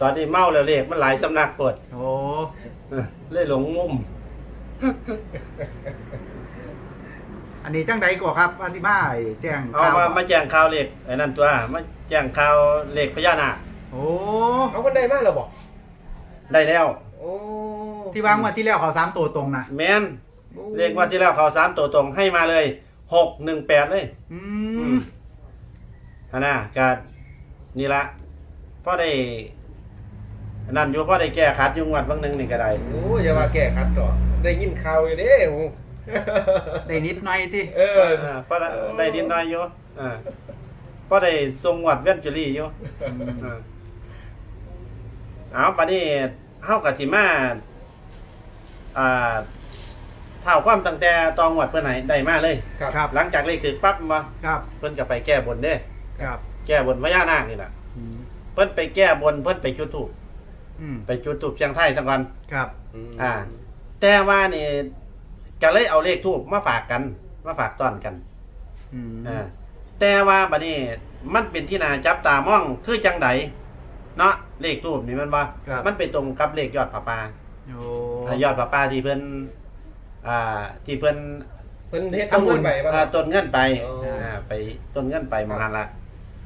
อนนี้เมาแล้วเลขมันหลายสำนักปวดโอ้เลยหลงมุมอันนี้จังใดก่อครับอาซิมาแจ้งเอามาแจ้งข่าวเลขไอ้นั่นตัวมาแจ้งข่าวเลขพญานาคโอ้เอาคนใดมาแล้วบอกได้แล้วโอ้ที่วางวันที่แล้วเขา3ตัวตรงนะแมนเลขว่าที่แล้วเขา3ตัวตรงให้มาเลย618เลยอือืมมอันน่ะก็นี่ละพอได้นั่นอยู่พอได้แก้ขัดอยู่งวดบางนึงนี่ก็ได้โอ้อย่ามาแก้ขัดต่อได้ยินข่าวอยู่เด้โอ้ได้นิดหน่อยที่เออพอได้นิดหน่อยอยู่พอได้ทรงงวดเวนจูรี่อยู่เอาปานนี้เฮาก็สิมาเท่าความตั้งแต่ตองวดเพิ่นให้ได้มาเลยครับครับหลังจากเลขถึกปั๊บมาครับเพิ่นก็ไปแก้บนเด้ครับแก้บนพญานาคนี่ล่ะอืมเพิ่นไปแก้บนเพิ่นไปจุดธูปอืมไปจุดธูปเชียงไทยซะก่อนครับแต่ว่านี่ก็เลยเอาเลขธูปมาฝากกันมาฝากต้อนกันอืมแต่ว่าบัดนี้มันเป็นที่น่าจับตามองคือจังไดเนาะเลขธูปนี่มันว่ามันไปตรงกับเลขยอดผาป่าโอ้ยอดผาป่าที่เพิ่นที่เพิ่นเพิ่นเฮ็ดเอาเงินไปป่ะครับต้นเงินไปอ๋อไปต้นเงินไปมหันละ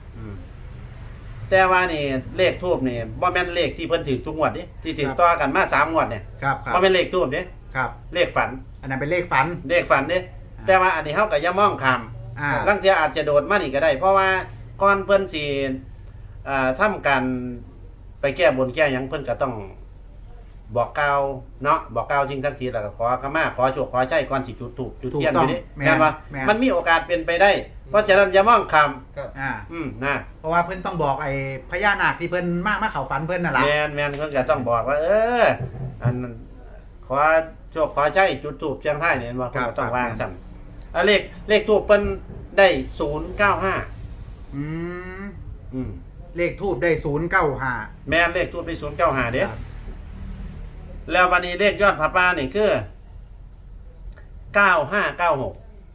แต่ว่านี่เลขทูบนี่บ่แม่นเลขที่เพิ่นถือทุกงวดนี่ที่ถือต่อกันมา3งวดเนี่ยครับครับบ่แม่นเลขทูบนี่ครับเลขฝันอันนั้นเป็นเลขฝันเลขฝันนี่แต่ว่าอันนี้เฮาก็อย่ามองข้าม ลางเทื่ออาจจะโดดมานี่ก็ได้ เพราะว่าก่อนเพิ่นสิทำการไปแก้บนแก้หยังเพิ่นก็ต้องบอกกล่าวเนาะบอกกล่าวจริงทั้งทีแล้วก็ขอขมาขอโชคขอชัยก่อนสิจุดธูปจุดเทียนอยู่นี่แม่นบ่มันมีโอกาสเป็นไปได้ เพราะฉะนั้นอย่ามองข้ามครับนะเพราะว่าเพิ่นต้องบอกไอ้พญานาคที่เพิ่นมาเข้าฝันเพิ่นน่ะล่ะแม่นเพิ่นก็ต้องบอกว่า อันขอโชคขอชัยจุดธูปเชียงไทยนี่ว่าเพิ่นก็ต้องวางซั่นเลขธูปเพิ่นได้095 อืมอืมเลขทูบได้095 แม่นเลขทูปได้095เด้แล้วบัดนี้เลขยอดผาป่านี่คือ9596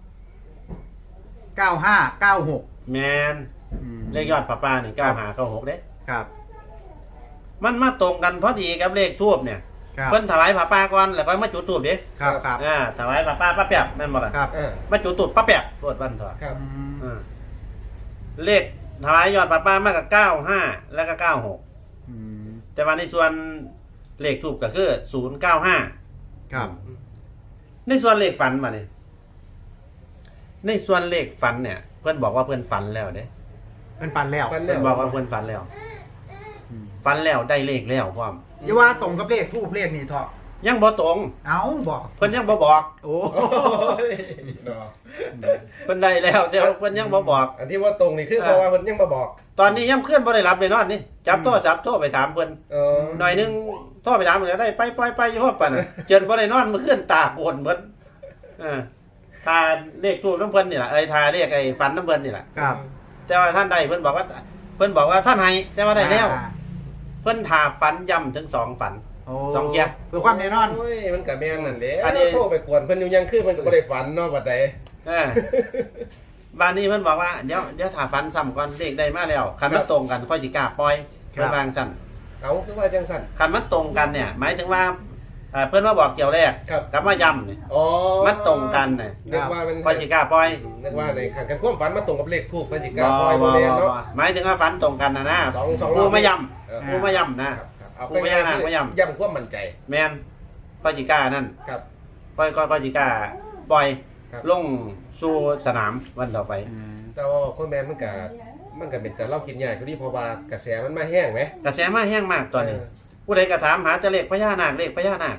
9596 แม่นเลขยอดผาป่านี่9596เด้ครับมันมาตรงกันพอดีกับเลขทูปเนี่ยครับเพิ่นถวายผาป่าก่อนแล้วก็มาจุดธูปเด้ครับครับถวายผาป่าป้าแป๊บแม่นบ่ล่ะครับมาจุดธูปป้าแป๊บโทษวันเถอะครับเลขถวายยอดผาป่ามากกับ95แล้วก็96 อืมแต่ว่าในส่วนเลขทูปก็คือ095 ครับในส่วนเลขฝันมาเนี่ยในส่วนเลขฝันเนี่ย เพื่อนบอกว่าเพื่อนฝันแล้วเด้เพิ่นฝันแล้วฝันเพื่อนบอกว่าเพื่อนฝันแล้วอืมฝันแล้วได้เลขแล้วพร้อมอย่าว่าตรงกับเลขทูบเลขนี่เถาะยังบ่ตรงเอาบอกเพื่อนยังบ่บอกโอ้โอ้ยเนาะเพื่อนได้แล้วแต่ว่าเพื่อนยังบ่บอกอันที่ว่าตรงนี่คือเพราะว่าเพิ่นยังมาบอกตอนนี้ยังเคลื่อนบ่ได้รับเลยนอนนี่จับโทรศัพท์โทรไปถามเพิ่นเออหน่อยนึงโทรไปถามเพิ่นแล้วได้ไปอยู่ฮอดปานน่ะเจินบ่ได้นอนมื้อคืนตาโกนเพิ่นถ้าเลขทูปน้ำเพิ่นนี่ล่ะถ้าเลขไอ้ฝันน้ำเพิ่นนี่ล่ะครับแต่ว่าท่านได้เพิ่นบอกว่าท่านให้แต่ว่าได้แล้ว เพิ่นถาฝันย้ำถึง2ฝันโอ้สองเที่ยเพื่อความแน่นอนโอ้ยมันก็แม่นนั่นแหละอันนี้โทรไปกวนเพิ่นอยู่ยังคือเพิ่นก็บ่ได้ฝันเนาะบัดใดบ้านนี้เพิ่นบอกว่าเดี๋ยวถาฝันซ้ำก่อนเลขได้มาแล้วคันมันตรงกันค่อยสิกล้าปล่อยครับเพิ่นวางซั่นเอาคือว่าจังซั่นคันมันตรงกันเนี่ย หมายถึงว่าเพิ่นมาบอกเกี่ยวแรกครับกับมาย้ำนี่อ๋อมันตรงกันน่ะนึกว่ามันค่อยสิกล้าปล่อยนึกว่าในขันกันความฝันมาตรงกับเลขทูปก็สิกล้าปล่อยบ่แม่นเนาะหมายถึงว่าฝันตรงกันนะสองรผู้อบมาย้เออำผู้มาย้ำนะครับเอาผู้พญานาคมาย้ำย้ำความมั่นใจแม่นค่อยสิกล้านั่นครับค่อยสิกล้าปล่อยครับลงสู่สนามวันต่อไปแต่ว่าคนแม่นมันก็เป็นแต่เราคิดยากอยู่ดีเพราะว่ากระแสมันมาแห้งไหมกระแสมาแห้งมากตอนนี้ ผู้ใดก็ถามหาจะเลขพญานาคเลขพญานาค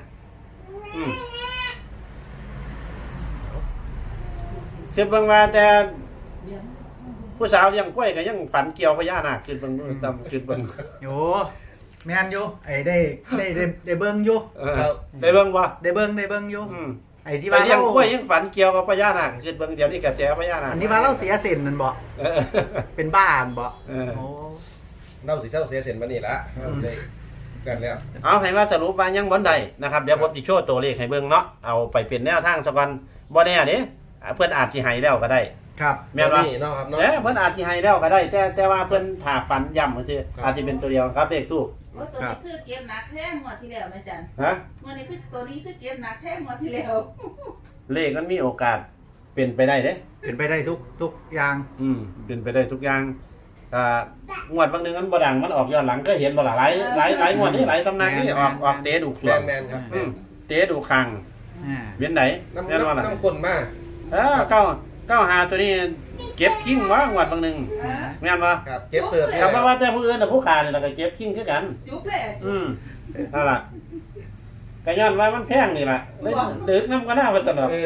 คือเบิ่งว่าแต่ผู้สาวเลี้ยงกล้วยก็ยังฝันเกี่ยวพญานาคคือเบิ่งจำคือเบิ่งโอ้แม่นอยู่ไอ้ได้เบิ่งอยู่ได้เบิ่งบ่ได้เบิ่งอยู่ ไอ้ที่ไปว่าเลี้ยงเรากล้วยยังฝันเกี่ยวกับพญานาคคือเบิ่งเดี๋ยวนี้กระแสพญานาคอันนี้ว่าเราเสียเส้นนั่นบ่เออเป็นบ้านบ่เออโอ้เราสิเศร้าเสียเส้นมานี่ละได้กันแล้วเอาให้ว่าสรุปว่ายังบ่ได้นะครับเดี๋ยวผมสิโชว์ตัวเลขให้เบิ่งเนาะเอาไปเป็นแนวทางซะก่อนบ่แน่เด้เพิ่นอาจสิให้แล้วก็ได้ครับแม่นบ่เนาะครับเนาะเพิ่นอาจสิให้แล้วก็ได้ แต่ว่าเพิ่นถาฝันย้ำซื่อครับอาจสิเป็นตัวเดียวครับเลขทูปว่าตัวนี้คือเก็บหนักแท้งวดที่แล้วแม่จันฮะวันนี้คือตัวนี้คือเก็บหนักแท้งวดที่แล้วเลขมันมีโอกาสเป็นไปได้เด้เป็นไปได้ทุกอย่างเป็นไปได้ทุกอย่างงวดบางนึงมันบ่ดังมันออกย้อนหลังก็เห็นบ่ล่ะหลายงวดนี่หลายตำนานนี่ออกเตะดูขแมวงนแมนครับเตะดูคังอ่าเวียนไหนน้ำแม่นว่าล่ะน้ำกลนมากเก้าหาตัวนี้เก็บคิงว่างวดบางนึงแม่นบ่ครับเจ็บเติบคำว่าแต่ผู้อื่นน่ะผู้ขานี่ล่ะก็เก็บคิงคือกันจุ๊บเลยนั่นล่ะก็ย้อนว่ามันแพงนี่ล่ะเลยดึกน้ำก็น่าว่าซั่นดอก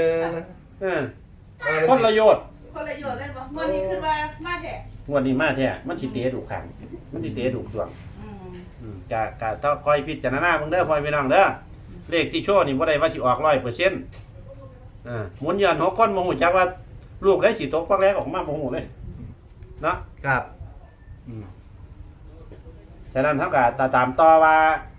คนละโยชน์คนละโยชน์เลยบ่วันนี้คือว่ามาแท้งวดนี้มาแท้มันสิเตะดูคังมันสิเตะดูขวง กะต้องคอยพิจารณาเบิ่งเด้อพ่อพี่น้องเด้อเลขที่โชว์นี่บ่ได้ว่าสิออก 100%หมุนย้อน6คนบ่ฮู้จักว่าลูกได้สิตกปักแรกออกมาบ่ฮู้เลยเนาะครับฉะนั้นเฮาก็ตามต่อว่า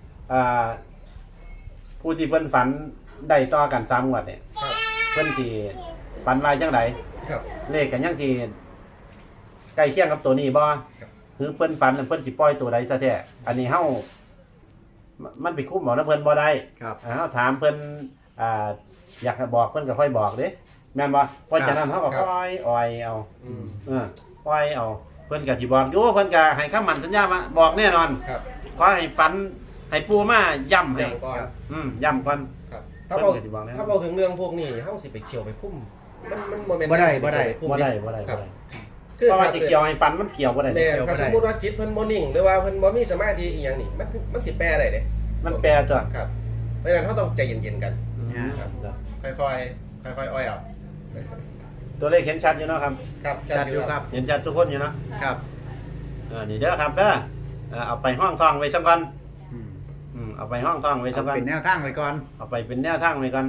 ผู้ที่เพิ่นฝันได้ต่อกัน3งวดเนี่ยเพิ่นสิฝันว่าจังไดครับเลขก็ยังสิใกล้เคียงกับตัวนี้บ่คือเพิ่นฝันเพิ่นสิปล่อยตัวใดซะแท้อันนี้เฮามันไปคุ้มหมอนะเพิ่นบ่ได้ครับเฮาถามเพิ่นอยากให้บอกเพิ่นก็ค่อยบอกเด้แม่นบ่เพราะฉะนั้นเฮาก็ค่อยอ้อยเอาอ้อยเอาเพิ่นก็สิบอกอยู่เพิ่นก็ให้คำมั่นสัญญามาบอกแน่นอนครับขอให้ฝันให้ปู่มาย้ำให้อย่างก่อนย้ำก่อนครับถ้าเราถึงเรื่องพวกนี้เฮาสิไปเกี่ยวไปคุ้มมันบ่แม่นบ่ได้บ่ได้ครับเพราะว่าจะเกี่ยวให้ฝันมันเกี่ยวบ่ได้แม่นถ้าสมมุติว่าจิตเพิ่นบ่นิ่งหรือว่าเพิ่นบ่มีสมาธิอีหยังนี่มันสิแปลได้เด้มันแปลตัวครับเพราะฉะนั้นเฮาต้องใจเย็นๆกันครับค่อยๆอ้อยเอาตัวเลขเห็นชัดอยู่เนาะครับครับจัดอยู่ครับเห็นชัดทุกคนอยู่เนาะครับนี่เด้อครับเด้อเอาไปห้องท่องไว้สักก่อนอืมเอาไปห้องท่องไว้สักก่อนเป็นแนวทางไว้ก่อนเอาไปเป็นแนวทางไว้ก่อน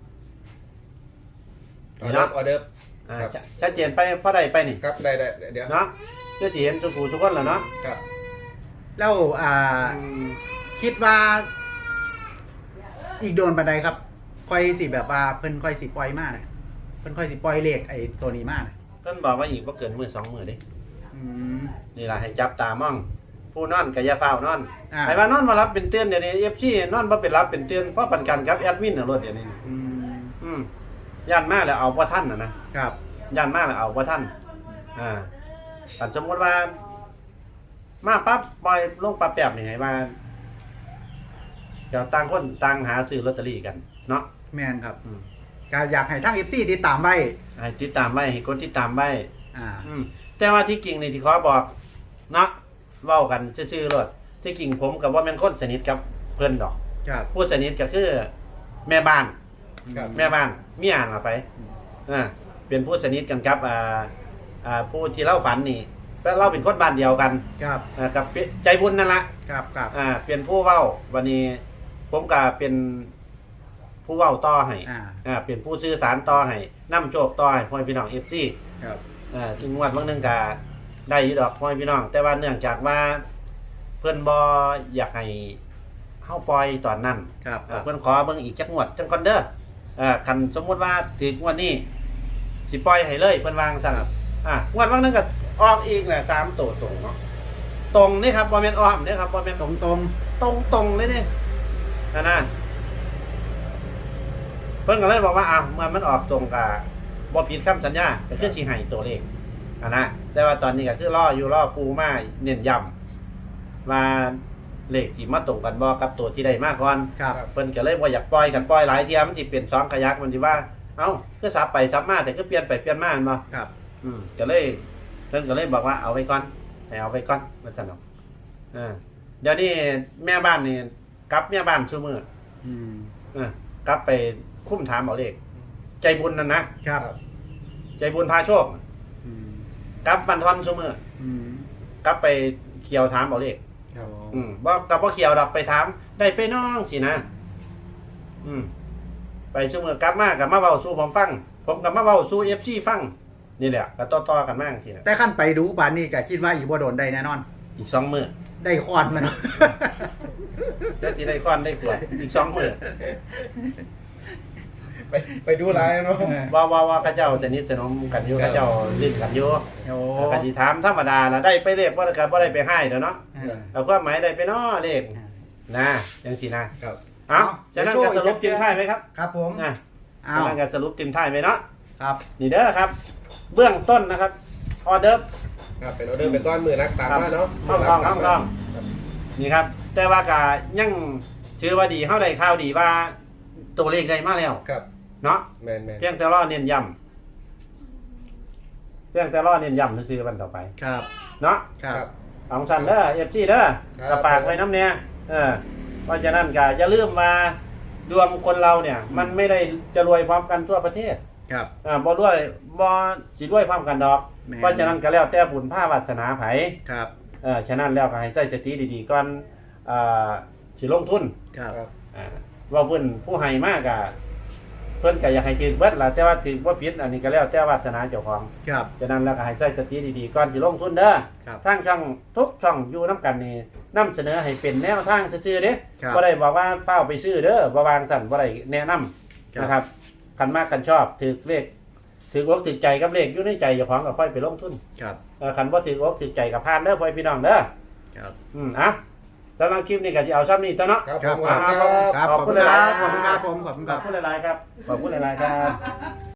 ออเดิร์ฟชัดเจนไปพอได้ไปนี่ครับได้เดี๋ยวเนาะเพื่อที่เห็นสุขูทุกคนแล้วเนาะครับแล้วคิดว่า อีกโดนบันไดครับ ค่อยสิแบบว่าเพิ่นค่อยสิปล่อยมาน่ะเพิ่นค่อยสิปล่อยเลขไอ้ตัวนี้มาน่ะเพิ่นบอกว่าอีกบ่เกินมื้อ2มื้อเด้อืมนี่ล่ะให้จับตามอง ผู้นอนก็อย่าฟ้าวนอนอ่าให้ว่านอนมารับเป็นเตือนเดี๋ยวนี้ FC นอนบ่เป็นรับเป็นเตือนเพราะปันกันกับแอดมินน่ะรถเดี๋ยวนี้อืมย่านมาแล้วเอาบ่ทันนะครับ ย่านมาแล้วเอาบ่ทันแต่สมมุติว่า มาปั๊บปล่อยลงปั๊บแป๊บนี่ให้ว่าเดี๋ยวต่างคนต่างหาซื้อลอตเตอรี่กันเนาะแม่นครับก็อยากให้ทาง FC ติดตามไว้ให้ติดตามไว้ให้กดติดตามไว้อ่าแต่ว่าที่จริงนี่ที่ขอบอกเนาะเว้ากันซื่อๆรถที่จริงผมกับว่าแม่นคนสนิทกับเพิ่นดอกครับผู้สนิทก็คือแม่บ้านครับแม่บ้านมีอ่านเอาไปเป็นผู้สนิทกันครับผู้ที่เล่าฝันนี่ก็เล่าเป็นคนบ้านเดียวกันครับกับใจบุญนั่นละครับครับเป็นผู้เว้าวันนี้ผมก็เป็นผู้เว้าต่อให้ เป็นผู้สื่อสารต่อให้นํโชคต่อให้พ่อพี่น้อง FC ครับถึงงวดบางนึงก็ได้อยู่ดอกพ่อพี่น้อง แต่ว่าเนื่องจากว่าเพิ่นบ่อยากให้เฮาปล่อยตอนนั้นครับเพิ่นขอเบิ่งอีกจักงวดจังก่อนเด้อคันสมมุติว่าถึงงวดนี้สิปล่อยให้เลยเพิ่นวางซั่นงวดบางนึงก็ออกอีกแหละ3ตัวตรงเนาะตรงนี่ครับบ่แม่นอ้อมนี่ครับบ่แม่นตรงตรงเลยนี่นะเพิ่นก็เลยบอกว่าเมื่อมันออกตรงกับบ่ผิดคำสัญญาก็คือสิให้ตัวเลขนะแต่ว่าตอนนี้ก็คือรอปูมาเน้นย้ำว่าเลขที่มาตรงกันบ่กับตัวที่ได้มาก่อนครับเพิ่นก็เลยบ่อยากปล่อยกันปล่อยหลายเที่ยมันสิเป็น2ขยักมันสิว่าเอ้าคือสับไปสับมาแต่คือเปลี่ยนไปเปลี่ยนมาแม่นบ่ครับก็เลยเพิ่นก็เลยบอกว่าเอาไว้ก่อนให้เอาไว้ก่อนว่าซั่นเนาะเดี๋ยวนี้แม่บ้านนี่กลับแม่บ้านซุมื้ออืมกลับไปคุ้มถามเอาเลขใจบุญนั่นนะครับ ใจบุญพาโชคอืมกลับบันทอนซุมื้ออืมกลับไปเขียวถามเอาเลขครับบ่กับบ่เขียวดอกไปถามได้ไปน้องสินะไปซุมื้อกลับมากับมาเว้าสู่ผมฟังผมก็มาเว้าสู่ FC ฟังนี่แหละก็ต่อๆกันมาจังซี่นะแต่ขั้นไปดูบานนี้ก็คิดว่าอีกบ่โดนได้แน่นอนอีก2มื้อได้คอนมันแล้วสิได้ค้อนได้กวดอีก2มื้อไปดูไลน์เนาะว่าเขาเจ้าสนิทสนมกันอยู่ครับเขาเจ้าลิ้นกันอยู่โอ้แล้วก็สิถามธรรมดาละได้ไปเลขบ่ก็บ่ได้ไปให้เด้อเนาะเออเอาความหมายได้ไปเนาะเลขนะจังซี่นะครับ เอ้าเดี๋จะยวนั่นโชว์ก็สรุปอีกทีมท้ายไหมครับครับผมอ่ะอ้าจะวนั่นก็สรุปทีมท้ายไหมเนาะครับนี่เด้อครับ เบื้องต้นนะครับออเดิร์ฟครับเป็นออเดอร์เป็นก้อนมือนักตามมาเนาะห้องนี่ครับ แต่ว่าก็ยังถือว่าดีเฮาได้ข่าวดีว่าตัวเลขได้มาแล้วครับเนาะแมนเพียงแต่รอเน้นย้ำเพียงแต่รอเน้นย้ำซื่อๆวันต่อไปครับเนาะครับของสันเด้อ FC เด้อครับก็ฝากไว้น้ำเนี่ยเพราะฉะนั้นก็อย่าลืมมาดวงคนเราเนี่ย มันไม่ได้จะรวยพร้อมกันทั่วประเทศครับบ่รวยบ่สิรวยพร้อมกันดอกแม่นเพราะฉะนั้นก็แล้วแต่บุญภาวาสนาไผครับฉะนั้นแล้วก็ให้ใจสติดีๆก่อนสิลงทุนครับครับว่าเพิ่นผู้ให้มากก็เพิ่นก็อยากให้ถือเบิดล่ะแต่ว่าถือบ่ผิดอันนี้ก็แล้วแต่วาสนาเจ้าของครับฉะนั้นแล้วก็ให้ใจสติดีๆก่อนสิลงทุนเด้อครับทางช่องทุกช่องอยู่นํกันนี่นำเสนอให้เป็นแนวทางซื่อๆเด้ครับบ่ได้บอกว่าเฝ้าไปซื้อเด้อบ่วางสั่นบ่ได้แนะนำครับนะครับคันมากคันชอบถือเลขถืออกถือใจกับเลขอยู่ในใจเจ้าของก็ค่อยไปลงทุนครับคันบ่ถืออกถือใจกับพานเด้อพ่อพี่น้องเด้อครับอ่ะสำหรับคลิปนี้ก็สิเอาซ้ำนี้ตัวเนาะครับครับผมครับครับครับ ขอบคุณครับ ขอบคุณครับผม ขอบคุณขคอรับบ คุณหลายๆครับขอบคุณหลายๆครับ